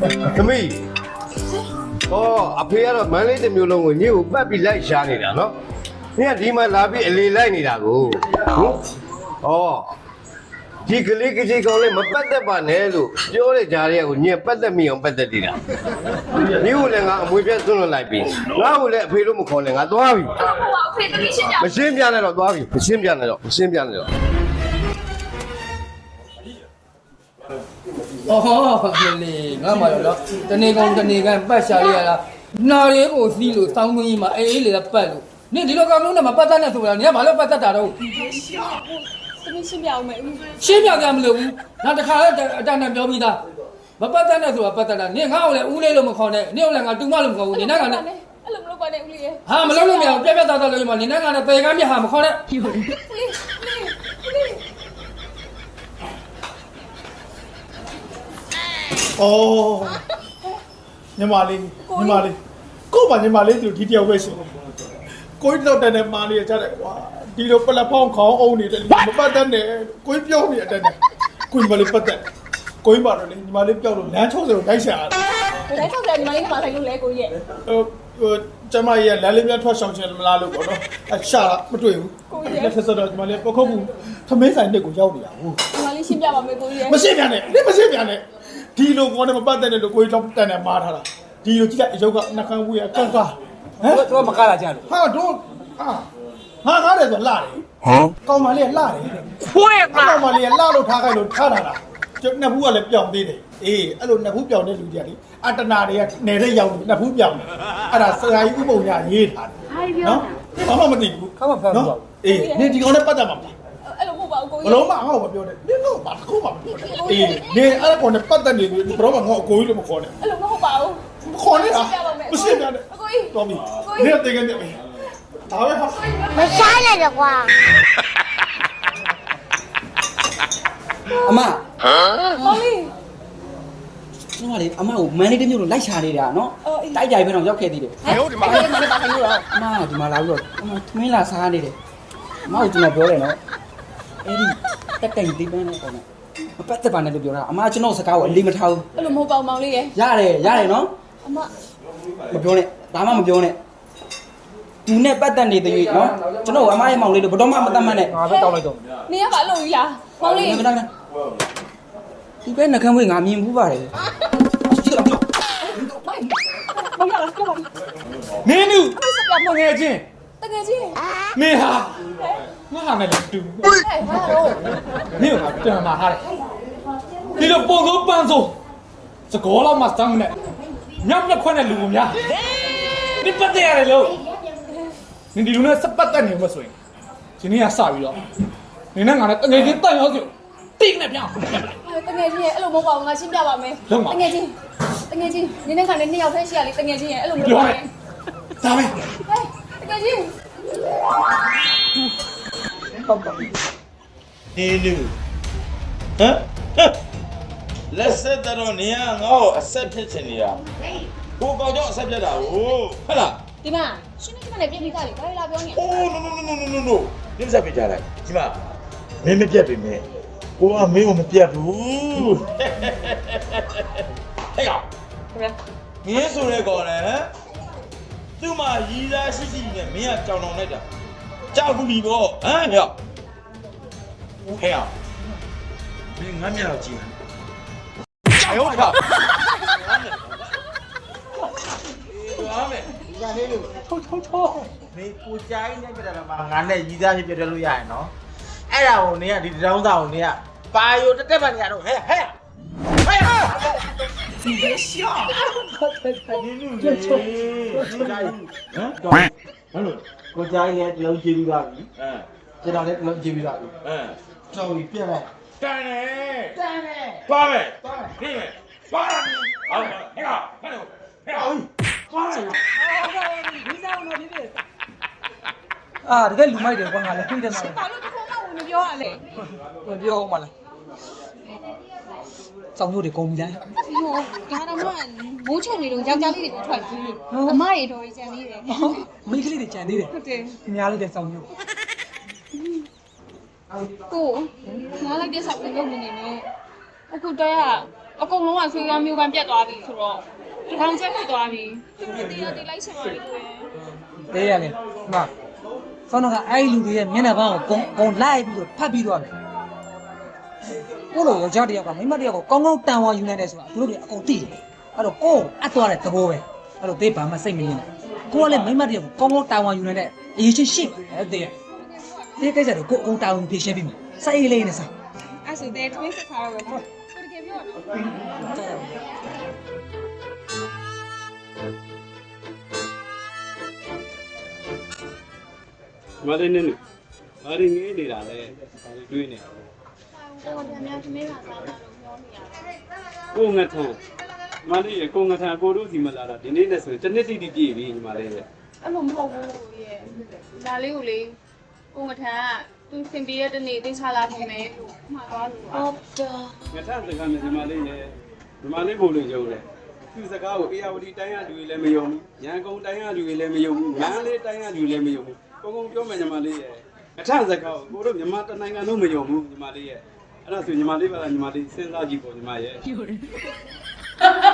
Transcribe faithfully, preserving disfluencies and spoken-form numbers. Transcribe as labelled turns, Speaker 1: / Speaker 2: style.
Speaker 1: သမီးဟောအဖေကတော့မန်းလေးတစ်မျိုးလုံးကိုညကိုပတ်ပြီးလိုက်ရှားနေတာနော်နင်ကဒီမှာလာပြီးအလေလိုက်နေတာကိုဟုတ်ဟောဒီကလေးကကြီးကောင်လေးမပတ်သက်ပါနဲ့လို့ပြောတဲ့ကြားရဲကိုညင်ပတ်သက်မိအောင်ပတ်သက်နေတာညကိုလည်းငါအမွေပြတ်သွန်းလွန်လိုက်ပြီငါ့ကိုလည်းအဖေလို့မခေါ်နဲ့ငါသွားပြီ
Speaker 2: ဟုတ်ပါအဖေတတိရှင်းကြ
Speaker 1: မရှင်းပြနဲ့တော့သွားပြီမရှင်းပြနဲ့တော့မရှင်းပြနဲ့တော့
Speaker 3: 哦，你俺妈了，这你讲这你讲不下来了，哪里个西路上东西嘛，哎，来了半路，你这个刚弄那么不单的做了，你还马上不单打了。
Speaker 2: 你别笑，这边先表没。
Speaker 3: 先表干么了？那这看这这那表面的，不不单的做不单的，你看我来屋里那么看的，你我两个东马那么看，你那个呢？
Speaker 2: အဲ့လိုမလုပ်ပါနဲ့ဦးလေး
Speaker 3: ဟာမလုပ်လို့မရဘူးပြပြသားသားလို့မှနင်ကလည်းပေကမ်းပြဟာမခေါ်နဲ့
Speaker 4: အော်ညီမလေးညီမလေးကို့ပါညီမလေးသူဒီတယောက်ပဲရှင်ကိုကြီးတော့တန်တဲ့မာလေးရကြတယ်ကွာဒီလိုပလက်ဖောင်းခေါင်းအောင်နေတဲ့လူမပတ်တတ်နဲ့ကိုကြီးပြောနေတဲ့အတိုင်းကိုညီမလေးပတ်သက်ကိုကြီးပါတော့လေညီမလေးပြောက်လို့လမ်းချောက်စလို့တိုက်ရှာရတယ်
Speaker 2: ဒါကြောင့်ညီမလေးကမဆိုင်လို့လဲကိုကြီးရဲ့
Speaker 4: ဟိုဟိုကျမကြီးကလမ်းလေးများထွက်ဆောင်ချင်မလားလို့ပေါ့နော်အရှာမတွေ့ဘူးကိုကြီးရဲ့ဆက်ဆက်တော့ညီမလေးပခုတ်ဘူးသမင်းဆိုင်တစ်ကိုရောက်နေတာဟုတ်
Speaker 2: ညီမလေးရှင်းပြပါမယ်ကိုကြီးရဲ့
Speaker 4: မရှင်းပြနဲ့ဒီမရှင်းပြနဲ့ဒီလိုကောနဲ့မပတ်တဲ့လို့ကိုကြီးတော့တန်တယ်မားထားတာဒီလိုကြည့်လိုက်အယုတ်ကနှခမ်းဝေးကကန့်ကားဟမ်
Speaker 3: တော့မကားလာကြလို့
Speaker 4: ဟာတော့ဟာဟာကားတယ်ဆိုလှတယ်ဟမ်ကောင်မလေးကလှတယ်
Speaker 3: ဖွေး
Speaker 4: ကောင်မလေးကလှလို့ထားခိုင်းလို့ထားတာလားကျနှစ်ဖူးကလည်းပြောင်းသေးတယ်အေးအဲ့လိုနှစ်ဖူးပြောင်းတဲ့လူကြီးကလေအတနာတွေကနေတဲ့ရောက်လို့နှစ်ဖူးပြောင်းတယ်အဲ့ဒါဆရာကြီးဥပုံညာရေးထားတယ်နော်ဘာမှမသိဘူး
Speaker 3: ခါမဖမ်းဘူး
Speaker 4: အေးနေဒီကောင်နဲ့ပတ်သက်မှာမလား
Speaker 2: အဲ့လိုမဟုတ်ပါဘူးကို
Speaker 4: ကြီးဘလုံးမဟောမပြောနဲ့နင်တော့ဘာတစ်ခုမှမပြောနဲ့အေးနေအဲ့ကောင်နဲ့ပတ်သက်နေပြီဘလုံးမငေါ့အကိုကြီးလို့မခေါ်နဲ့
Speaker 2: အဲ့လိုမဟုတ်ပါဘူး
Speaker 4: ခေါ်နေတာမရှင်းပြနဲ့
Speaker 2: အကိုကြီး
Speaker 4: တော်ပြီနေတော့တင်ကနေပြီဒါပဲဟာ
Speaker 5: မဆိုင်လိုက်တော့ကွာ
Speaker 3: အမဟမ်
Speaker 2: မောင်လေး
Speaker 3: ကျွန်တော်လေအမကိုမန်လေးတစ်မျိုးလို့လိုက်ရှာနေတာနော်တိုက်ကြိုင်ပဲတော့ရောက်ခဲ့သေးတယ်
Speaker 2: ဟဲ့ဒီမှာမလေးပါခိုင်းလို့တော့
Speaker 3: အမကဒီမှာလာပြီးတော့အမသမင်းလာစားနေတယ်အမကကျွန်တော်ပြောတယ်နော်အဲ့ဒီတက်တိုင်ဒီပန်းနဲ့ပေါ့နော်မပတ်သက်ပါနဲ့လို့ပြောတာအမကျွန်တော်စကားကိုအလေးမထားဘူး
Speaker 2: အဲ့လိုမဟုတ်ပါဘူးမောင်လေးရဲ့
Speaker 3: ရတယ်ရတယ်နော်
Speaker 2: အမ
Speaker 3: မပြောနဲ့ဒါမှမပြောနဲ့သူနဲ့ပတ်သက်နေတဲ့၍နော်ကျွန်တော်အမရဲ့မောင်လေးတို့ဘယ်တော့မှမတတ်မှတ်နဲ့ငါပဲတောက်လိုက်တော့
Speaker 2: နေရပါလို့ကြီးလားမောင်လေး
Speaker 3: ခဏခဏဒီပဲနှကမ်းဝေးငါမြင်ဘူးပါတယ်ကြည့်တော့ပြော
Speaker 2: မောင်ရလားပြောပါ
Speaker 4: မင်းတို့
Speaker 2: အမေစပြမငယ်ချင်းတကယ်ချင်း
Speaker 4: မင်းဟာငါဟာနဲ့တူ
Speaker 2: ဟဲ့ဟာတော့
Speaker 4: မင်းကတန်မာဟာတယ်ဒီလိုပုံစိုးပန်းစိုးစကောလောက်မှစမ်းနဲ့ညောင်ညက်ခွနဲ့လူများဒီပတ်တယ်ရတယ်လို့နင်ဒီလူနဲ့စပတ်တက်နေမှာဆိုရင်ဒီနေ့ကစပြီးတော့နင်နဲ့ငါနဲ့တငယ်ချင်းတန်ရောစီတိတ်နဲ့ပြောင်း
Speaker 2: တကယ်ချင်းရဲ့အဲ့လိုမဟုတ်ပါဘူးငါရှင်းပြပါမယ်တကယ်ချင်းတကယ်ချင်းနင်းနဲ့ခါနဲ့နှစ်ယောက်ဖက်ရှိရလေတကယ်ချင်းရဲ့အဲ့လိုမလုပ်ပါနဲ့
Speaker 4: ဒါပဲ
Speaker 2: တကယ်ချင်း
Speaker 4: ဟုတ်ပါဘူး
Speaker 6: နေလူဟမ်လက်ဆက်တော့နေရငါ့ကိုအဆက်ဖြစ်ချင်နေတာကိုကောင်ကြောင့်အဆက်ဖြစ်တာဟုတ်ဟုတ်လား
Speaker 2: ဒီမှာရှင်းနေမှလည်းပြင်းပြီးသားလေဘာလဲလာပြောနေ
Speaker 6: အိုး no no no no no no ဒီဆက်ဖြစ်ကြလိုက်ဒီမှာမင်းမပြတ်ပြီမင်းကိုကမင်းကိုမပြတ်ဘူးဟဲ့ကောင်မင်းဆိုရဲကောင်လေသူ့မှာရီးသားရှိရှိနဲ့မင်းကကြောင်တောင်လိုက်တာကြောက်ဘူးပြီပေါ့ဟမ်ဟဲ့ဟဲ့မင်းငါမျက်တော့ကြည့်哎呦我操！完美，你看那个，抽抽抽！你不加一点别的了吗？俺那一家就别的路亚喏。哎呀，我呢，你让到我呢，把有这这半天都嘿嘿，哎呀！你别笑！你录的，你加一，嗯，完了，我加一点老几米大米，嗯，这两天老几米大米，嗯，稍微变来。干嘞！干嘞！抓呗！抓呗！可以没？抓了你！好，那个，看着我，那个，抓了！
Speaker 3: 你在我那里的。啊，这个လူမိုက်တယ်ကွာငါလည်းသိတယ်မှာ
Speaker 2: ။ဘာလို့တစ်ခုမှဝင်မပြောရလဲ
Speaker 3: ။ဝင်ပြောမှလား။စောင်းတို့တွေကုန်ပြီလား
Speaker 2: ။ဟိုဒါတော့မှမိုးချုံနေတော့ယောက်ျားလေးတွေထွက်ပြီးအမတွေတော်ကြီးကြံသေးတယ်
Speaker 3: ။မိန်းကလေးတွေကြံသေးတယ်
Speaker 2: ။ဟုတ်တယ်
Speaker 3: ။အများလေးတဲ့စောင်းတို့
Speaker 2: ။ကိုငါလိုက်တဲ့ဆောက်ပြီးလုပ်နေနေ။အခုတော့ရအကုန်လုံးကဆွေးသွားမျိုးပန်းပြတ်သွားပြီဆိုတော့ဒီကောင်ချက်ဖြစ်သွားပြီသူတို့တရားတိလိုက်ရှင်ပါလေကွယ်
Speaker 5: တဲရတယ်မဆောင်းကအဲ့လူတွေရဲ့မျက်နှာပေါင်းကိုကုံကုံလိုက်ပြီးတော့ဖတ်ပြီးသွားတယ်ကိုလိုယောက်ျားတယောက်ကမိန်းမတယောက်ကိုကောင်းကောင်းတန်ဝါယူနိုင်တယ်ဆိုတာသူတို့တွေအကုန်သိတယ်အဲ့တော့ကိုအပ်သွားတဲ့သဘောပဲအဲ့တော့တေးဘာမှစိတ်မရင်းနဲ့ကိုကလည်းမိန်းမတယောက်ကိုကောင်းကောင်းတန်ဝါယူနိုင်တဲ့အရေးချင်းရှိတယ်တေးတေးကိစ္စတော့ကိုအုံတာဝန်ဖြေရှင်းပြီးမှာစိုက်လေးနဲ့စား
Speaker 2: အဲ့ဆိုတဲ့ twin ဆက်ထားတော့ပဲကိုတကယ်ပြောတော့
Speaker 7: မလေးနဲ့ဘာရင်းငေးနေတာလဲဘာလို့တွေးနေလဲ
Speaker 2: ကိုကတည်းကသမီးကစားတာလို့ပြောနေရတယ်
Speaker 7: ကိုငထန်မလေးရကိုငထန်ကိုတို့စီမလာတာဒီနေ့နဲ့ဆိုရင်တစ်နှစ်တိတိပြည့်ပြီညီမလေးရဲ့
Speaker 2: အဲ့လိုမဟုတ်ဘူးရဲ့ဒါလေးကိုလေကိုငထန်ကသူစင်ပြေတဲ့နေ့တင်ချလာခင်မယ်လို့မှားသွားလို့ဟုတ်တာ
Speaker 7: ငထန်စကားနဲ့ညီမလေးနဲ့ညီမလေးဘို့လို့ယုံတယ်သူစကားကိုအေယာဝတီတိုင်းရလူတွေလည်းမယုံဘူးရန်ကုန်တိုင်းရလူတွေလည်းမယုံဘူးမန္တလေးတိုင်းရလူလည်းမယုံဘူးကိုကုံပြောမယ်ညီမလေးရဲ့ငထန်စကားကိုကိုတို့မြန်မာတနိုင်ငံလုံးမယုံဘူးညီမလေးရဲ့အဲ့ဒါဆိုညီမလေးပါလားညီမလေးစဉ်းစားကြည့်ပေါ့ညီမရဲ့